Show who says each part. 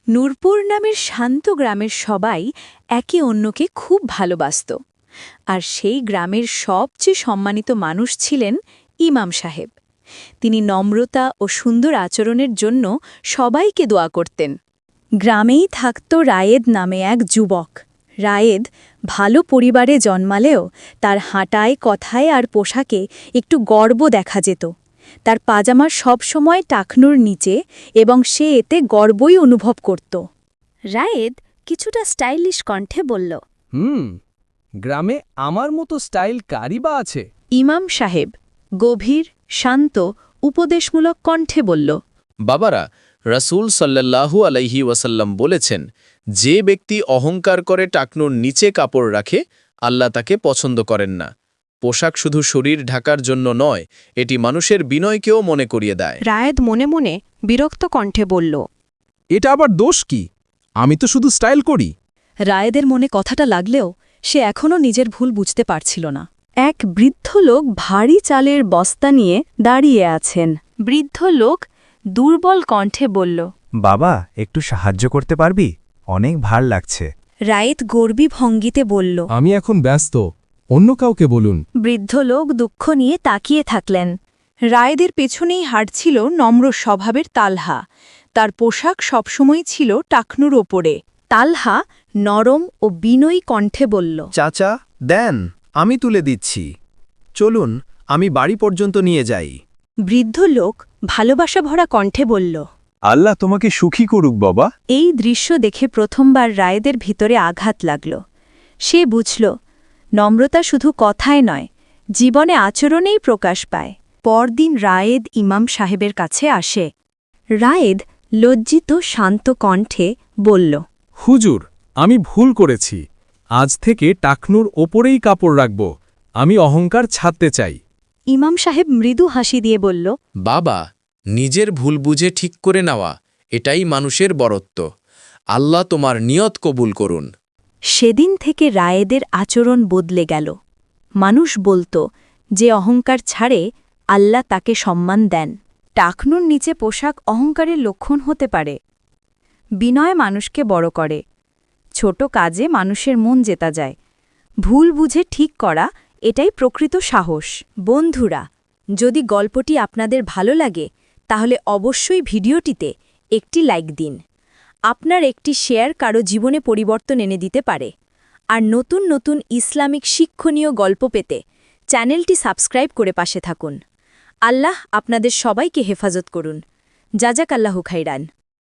Speaker 1: নূরপুর নামের শান্ত গ্রামের সবাই একে অন্যকে খুব ভালোবাসত আর সেই গ্রামের সবচেয়ে সম্মানিত মানুষ ছিলেন ইমাম সাহেব। তিনি নম্রতা ও সুন্দর আচরণের জন্য সবাইকে দোয়া করতেন। গ্রামেই থাকত রায়েদ নামে এক যুবক। রায়েদ ভালো পরিবারে জন্মালেও তার হাঁটায়, কথায় আর পোশাকে একটু গর্ব দেখা যেত। তার পাজামা সবসময় টাকনুর নিচে এবং সে এতে গর্বই অনুভব করত। রায়েদ কিছুটা স্টাইলিশ কণ্ঠে বলল,
Speaker 2: গ্রামে আমার মতো স্টাইল কারই বা আছে?
Speaker 1: ইমাম সাহেব গভীর, শান্ত, উপদেশমূলক কণ্ঠে বলল,
Speaker 3: বাবারা, রাসূল সাল্লাল্লাহু আলাইহি ওয়াসাল্লাম বলেছেন, যে ব্যক্তি অহংকার করে টাকনুর নিচে কাপড় রাখে, আল্লাহ তাকে পছন্দ করেন না। পোশাক শুধু শরীর ঢাকার জন্য নয়, এটি মানুষের বিনয়কেও মনে করিয়ে দেয়।
Speaker 4: রায়েদ মনে মনে বিরক্ত কণ্ঠে বলল,
Speaker 2: এটা আবার দোষ কি? আমি তো শুধু স্টাইল করি।
Speaker 1: রায়েদের মনে কথাটা লাগলেও সে এখনও নিজের ভুল বুঝতে পারছিল না। এক বৃদ্ধ লোক ভারী চালের বস্তা নিয়ে দাঁড়িয়ে আছেন। বৃদ্ধ লোক দুর্বল কণ্ঠে বলল,
Speaker 5: বাবা, একটু সাহায্য করতে পারবি? অনেক ভার লাগছে।
Speaker 1: রায়েদ গর্বী ভঙ্গিতে বলল।
Speaker 2: আমি এখন ব্যস্ত, অন্য কাউকে বলুন।
Speaker 1: বৃদ্ধ লোক দুঃখ নিয়ে তাকিয়ে থাকলেন। রায়েদের পেছনেই হাঁটছিল নম্র স্বভাবের তালহা। তার পোশাক সবসময় ছিল টাকনুর ওপরে। তালহা নরম ও বিনয়ী কণ্ঠে বলল,
Speaker 6: চাচা, দেন, আমি তুলে দিচ্ছি। চলুন, আমি বাড়ি পর্যন্ত নিয়ে যাই।
Speaker 1: বৃদ্ধ লোক ভালোবাসা ভরা কণ্ঠে বলল।
Speaker 5: আল্লাহ তোমাকে সুখী করুক বাবা।
Speaker 1: এই দৃশ্য দেখে প্রথমবার রায়েদের ভিতরে আঘাত লাগল। সে বুঝল, নম্রতা শুধু কথায় নয়, জীবনে আচরণেই প্রকাশ পায়। পরদিন রায়েদ ইমাম সাহেবের কাছে আসে। রায়েদ লজ্জিত শান্ত কণ্ঠে বলল,
Speaker 2: হুজুর, আমি ভুল করেছি। আজ থেকে টাকনুর ওপরেই কাপড় রাখব। আমি অহংকার ছাড়তে চাই।
Speaker 1: ইমাম সাহেব মৃদু হাসি দিয়ে বলল,
Speaker 3: বাবা, নিজের ভুল বুঝে ঠিক করে নেওয়া, এটাই মানুষের বরত্ব। আল্লাহ তোমার নিয়ত কবুল করুন।
Speaker 1: সেদিন থেকে রায়েদের আচরণ বদলে গেল। মানুষ বলত, যে অহংকার ছাড়ে আল্লাহ তাকে সম্মান দেন। টাকনুর নিচে পোশাক অহংকারের লক্ষণ হতে পারে। বিনয় মানুষকে বড় করে। ছোট কাজে মানুষের মন জেতা যায়। ভুল বুঝে ঠিক করা, এটাই প্রকৃত সাহস। বন্ধুরা, যদি গল্পটি আপনাদের ভালো লাগে তাহলে অবশ্যই ভিডিওটিতে একটি লাইক দিন। আপনার একটি শেয়ার কারো জীবনে পরিবর্তন এনে দিতে পারে। আর নতুন নতুন ইসলামিক শিক্ষণীয় গল্প পেতে চ্যানেলটি সাবস্ক্রাইব করে পাশে থাকুন। আল্লাহ আপনাদের সবাইকে হেফাজত করুন। জাজাকাল্লাহু খাইরান।